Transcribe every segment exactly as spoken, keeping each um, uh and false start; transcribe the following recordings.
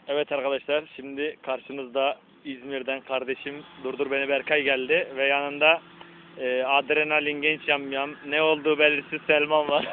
Evet arkadaşlar, şimdi karşınızda İzmir'den kardeşim Durdur Beni Berkay geldi ve yanında e, adrenalin genç yamyam, ne olduğu belirsiz Selman var.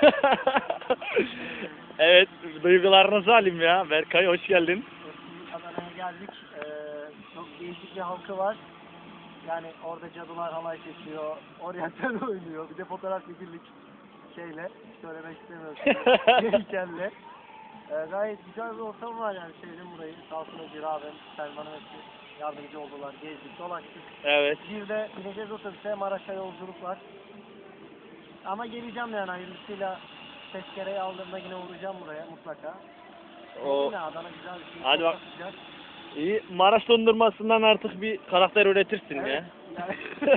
Evet, duygularınızı alayım ya. Berkay hoş geldin. Adana'ya geldik. Ee, çok değişik bir halkı var. Yani orada cadılar halay çekiyor, oryantal oynuyor. Bir de fotoğraf çekildik şeyle, söylemek istemiyorum. Heykelle. Ee, gayet güzel bir ortam var yani, sevdim burayı. Sağ olsun Özgür abim, Selman'ın hepsi yardımcı oldular. Gezdik, dolaştık. Evet. Bir de bineceğiz otobüse, Maraş'a yolculuk var. Ama geleceğim yani hayırlısıyla, tezkereyi aldığımda yine uğrayacağım buraya mutlaka. O... Yine Adana güzel bir şey. Hadi bak. İyi, Maraş dondurmasından artık bir karakter üretirsin Evet. ya.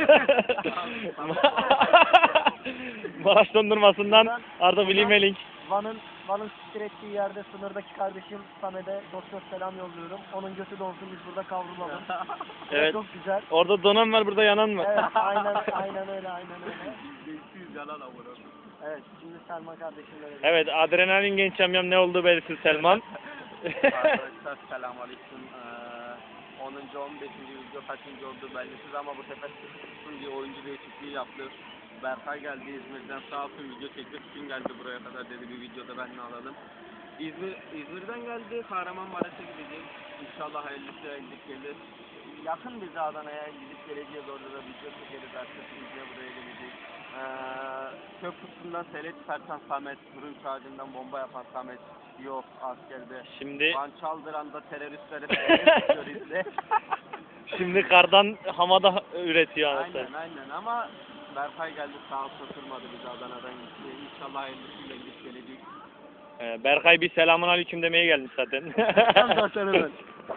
Maraş dondurmasından artık Willy Melink. Van'ın Van'ın siktir ettiği yerde sınırdaki kardeşim Samet'e dost dost selam yolluyorum. Onun götü donsun, biz burada kavrulalım. Evet. Çok güzel. Orada donan var, burada yanan var. Evet, aynen aynen öyle, aynen öyle. Değiştiğiz yalan avura. Evet, şimdi Selman kardeşimle öyle. Evet, adrenalin genç yamyam, ne olduğu belirsiz Selman. Arkadaşlar selamünaleyküm. Ee, onuncu on beşinci video kaçıncı oldu bellisiz ama bu sefer sıkıntısın bir oyuncu değişikliği yaptı. Berkay geldi İzmir'den, sağ olsun video çekti. Kim geldi buraya kadar dedi, bir videoda ben ne alalım. İzmir, İzmir'den geldi, Kahramanmaraş'a gidecek. İnşallah hayırlısıyla gidip gelir. Yakın bize Adana'ya, gidip geleceğiz, orada da video çekeriz artık. Video buraya gelecek. Ee, Köprüsü'nden sele çıkartan Samet, fırın ağacından bomba yapan Samet yok askerde. Şimdi Van Çaldıran'da teröristlere terörist izle. şimdi kardan hamada üretiyor anasını. Aynen aynen ama Berkay geldi, sağ olsun oturmadı bizi, Adana'dan gitti. İnşallah hayırlısıyla gidip gelecek. Ee, Berkay bir selamun aleyküm demeye gelmiş zaten. zaten hemen.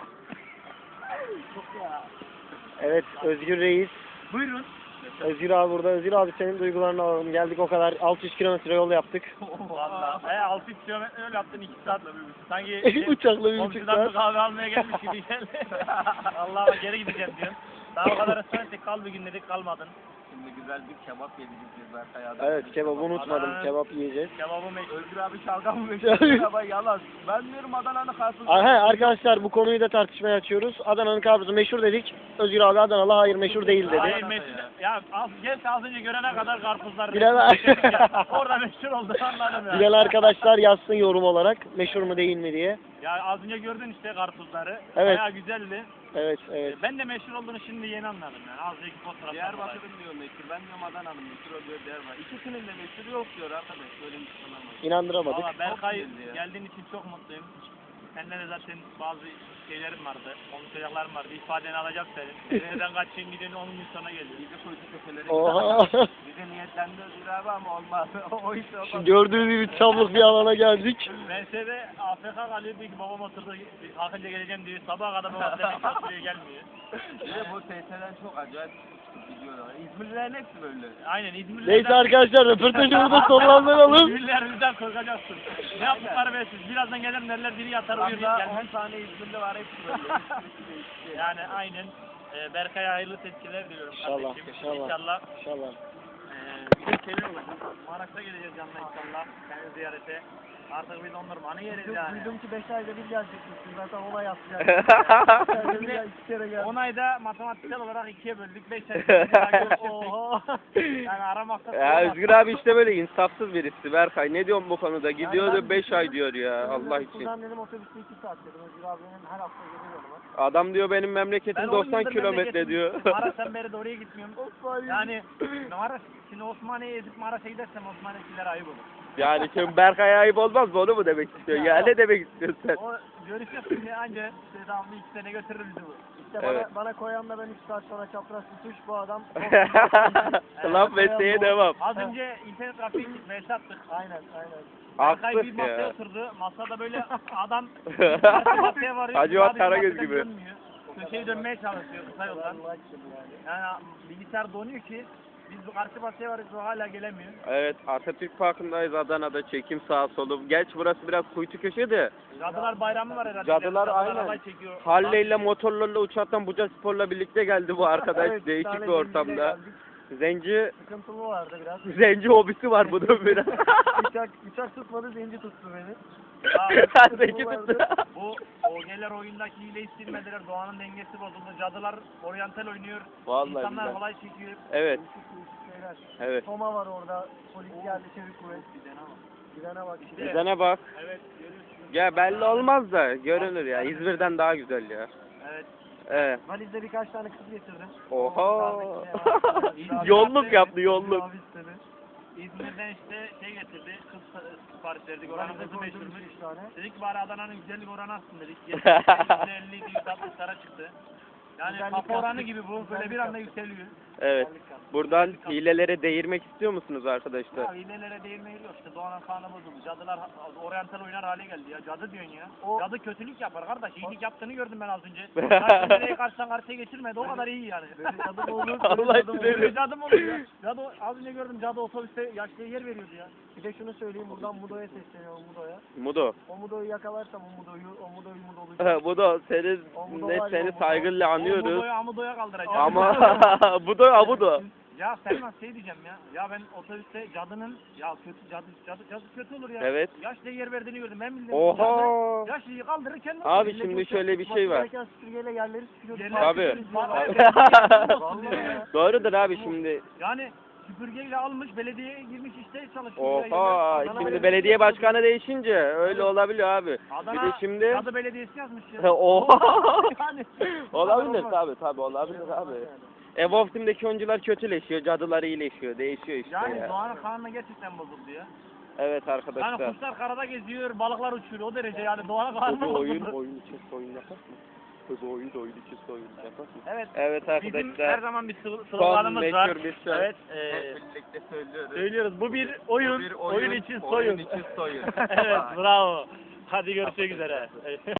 Çok ya. Evet, Özgür Reis. Buyurun. Özgür abi burada. Özgür abi, senin duygularını alalım. Geldik o kadar. altı yüz kilometre yol yaptık. Valla. He altı yüz kilometre yol yaptın, iki saat. Sanki şey, Uçakla bir buçuk komşudan saat. bir kahve almaya gelmiş gibi geldi. Allah'a geri gideceğim diyorsun. Daha o kadar ısrar ettik, kal bir gün dedik, kalmadın. Şimdi güzel bir kebap yedik Berkay Adana'da. Evet, kebabı unutmadım. Adana'nın- Kebap yiyeceğiz. Kebabı meşhur. Özgür abi şalgam mı meşhur ama yalan. Ben diyorum Adana'nın karpuzu. Aha, arkadaşlar bu konuyu da tartışmaya açıyoruz. Adana'nın karpuzu meşhur dedik. Özgür abi Adanalı, hayır meşhur değil dedi. Hayır meşhur. Ya az, geç az önce görene kadar karpuzlar. Bilemem. meşhur ya. Orada meşhur oldu, anladım ya. Bilen arkadaşlar yazsın yorum olarak meşhur mu değil mi diye. Ya az önce gördün işte karpuzları. Evet. Bayağı güzeldi. Evet, evet. Ben de meşhur olduğunu şimdi yeni anladım yani. Az önceki fotoğraflar. Diyarbakır'ın diyor meşhur. Ben diyorum Adana'nın meşhur oluyor Diyarbakır. İkisinin de meşhur yok diyor arkadaş. Böyle bir şey olamaz. İnandıramadık. Valla Berkay, Çok güzeldi ya. geldiğin için çok mutluyum. Seninle de zaten bazı şeylerim vardı, konuşacaklarım vardı. İfadeni alacak senin. Nereden kaçayım gidiyorsun, on gün sonra geliyor. Bizi kuytu köşeleri Oha. bize niyetlendi Özgür abi ama olmaz. o iş olmaz. Şimdi gördüğünüz gibi çamlık bir alana geldik. Ben size de A F K kalıyor, bir babam oturdu, kalkınca geleceğim diyor. Sabaha kadar babam demek oturuyor, gelmiyor. Bir de bu T S'den çok acayip gidiyorlar. İzmirlilerin hepsi böyle. Aynen İzmirlilerden... Neyse arkadaşlar, röportajı burada sonlandıralım. İzmirliler bizden korkacaksın. Ne yaptıkları belirsiz. Birazdan gelir derler, biri yatar uyur Hatta gelmez. on tane İzmirli var, hepsi böyle. Hepsi değişik. Yani aynen. Ee, Berkay'a hayırlı tezkireler diliyorum İnşallah, kardeşim. inşallah. İnşallah. İnşallah. Ee, güzel şeyler olacak. Maraş'a geleceğiz yanına inşallah. Seni ziyarete. Artık bir dondurmanı yeriz Duydum, yani. duydum ki beş ayda bir gelecekmişsin. Zaten olay yapacak. Şimdi iki kere geldim. on ayda matematiksel olarak ikiye böldük. beş ay Oha. Yani aramakta Ya Özgür abi işte böyle insafsız birisi Berkay. Ne diyorsun bu konuda? Gidiyor Yani da ben beş ay düşündüm. diyor ya. Allah için. Buradan dedim otobüste iki saat dedim. Özgür abinin her hafta geliyor yanıma. Adam diyor benim Ben memleketim on doksan yıldır kilometre memleketim- diyor. Maraş'tan beri de oraya gitmiyorum. Osman Yani Maraş, şimdi Osmaniye'ye ezip Maraş'a gidersem Osmaniye'liler ayıp olur. Yani şimdi Berkay'a ayıp olmaz mı, onu mu demek istiyor? Ya ne demek istiyorsun sen? O görüşeceğiz şimdi anca devamlı iki sene götürür bizi bu. İşte Evet. bana, bana koyan da ben üç saat sonra çapraz tutuş bu adam. Laf mesleğe devam. Az önce internet trafiği mesaj attık. Aynen aynen. Berkay Haksız bir masaya ya. oturdu. Masada böyle adam karşı masaya varıyor. Hacivat sadece Karagöz masadan gibi. dönmüyor. Köşeyi dönmeye çalışıyor kısa yoldan. Allah aşkına yani. Yani bilgisayar donuyor ki biz bu karşı masaya varıyoruz, o hala gelemiyor. Evet, Atatürk Parkı'ndayız Adana'da, çekim sağ solum. Geç burası biraz kuytu köşe de. Cadılar Bayramı var herhalde. Cadılar aynen. halay çekiyor. Halleyle motorlarla uçaktan Buca Spor'la birlikte geldi bu arkadaş. Evet, Değişik tane bir ortamda. zenciyle geldik. Zenci, Sıkıntılı vardı biraz. zenci hobisi var bunun biraz. Uçak, uçak tutmadı, zenci tuttu beni. Aa, Zenci tuttu. bu o Ogeller oyundaki hileyi silmediler. Doğanın dengesi bozuldu. Cadılar oryantal oynuyor. Vallahi İnsanlar billahi. halay çekiyor. Evet. Değişik değişik şeyler. Evet. Toma var orada. Polis geldi, çevik kuvvet. Gidene bak. işte. Gidene bak. Evet görüyorsun. Ya belli olmaz da görünür ya. İzmir'den daha güzel ya. Evet. Evet. Valizde birkaç tane kız getirdim. Oha. İzmir'den- Yolluk yaptı yolluk. Abi istedi. İzmir'den işte şey getirdi. Kız sipariş verdik. Valizde Oranımızı koydum meşhurmuş. üç tane. Dedik ki bari Adana'nın güzellik oranı atsın dedik. yüzde elli yüzde altmışlara çıktı. Yani Güzellik kafa oranı yaptık. gibi bu. Böyle Güzellik bir anda yaptık. yükseliyor. Evet. Buradan hilelere değirmek istiyor musunuz Ya arkadaşlar? hilelere değinmeyi yok işte Doğan'ın kanı bozuldu. Cadılar oryantal oynar hale geldi ya. Cadı diyorsun ya. O- Cadı kötülük yapar kardeş. İyilik yaptığını gördüm ben az önce. Karşı nereye karşıdan karşıya geçirmedi. O kadar iyi yani. Böyle cadı mı olur? Allah Böyle cadı mı olur? sinirli. Böyle cadı mı oluyor ya? Cadı az önce gördüm. Cadı otobüste yaşlıya yer veriyordu ya. Bir de şunu söyleyeyim buradan Mudo'ya sesleniyorum Mudo'ya. Mudo. O Mudo'yu yakalarsam o Mudo'yu, o Mudo'yu Mudo olacak. Mudo seni O Mudo ne var ya, seni o Mudo. saygıyla anıyoruz. Amudoya amudoya kaldıracak. Ama Mudo Amudo. Ya Selman şey diyeceğim ya. Ya ben otobüste cadının ya kötü cadı cadı cadı kötü olur ya. Evet. Yaşlıya yer verdiğini gördüm. Ben bildim. Oha. Cadı Yaşlıyı kaldırır kendi. Abi Millet şimdi yoksa şöyle bir şey var. gereken süpürgeyle yerleri süpürüyordu. Yerler Tabii. süpürüyoruz. Vallahi ya. Doğrudur abi şimdi. Yani süpürgeyle almış belediyeye girmiş işte çalışıyor. Oha. Adana Şimdi Belediyesi belediye yapıyor. başkanı değişince öyle olabiliyor abi. Adana Bir de şimdi Cadı Belediyesi yazmış ya. Oha. Yani. Olabilir Olmaz. tabi tabi olabilir abi. Evolve Team'deki oyuncular kötüleşiyor, cadılar iyileşiyor, değişiyor işte Yani ya. Doğan'ın kanına gerçekten bozuldu ya. Evet Yani arkadaşlar. kuşlar karada geziyor, balıklar uçuyor o derece yani Doğan'ın kanına Bu oyun, bozuldu. oyun için oyun yapar mı? Bu oyun, oyun için oyun yapar mı? Evet. Evet Bizim her arkadaşlar. zaman bir slo- Son sloganımız var. meşhur bir söz. Evet. Hep E, birlikte söylüyoruz. söylüyoruz. Bu bir oyun. Bir oyun, için soyun. Oyun için soyun. Evet bravo. Hadi görüşmek üzere.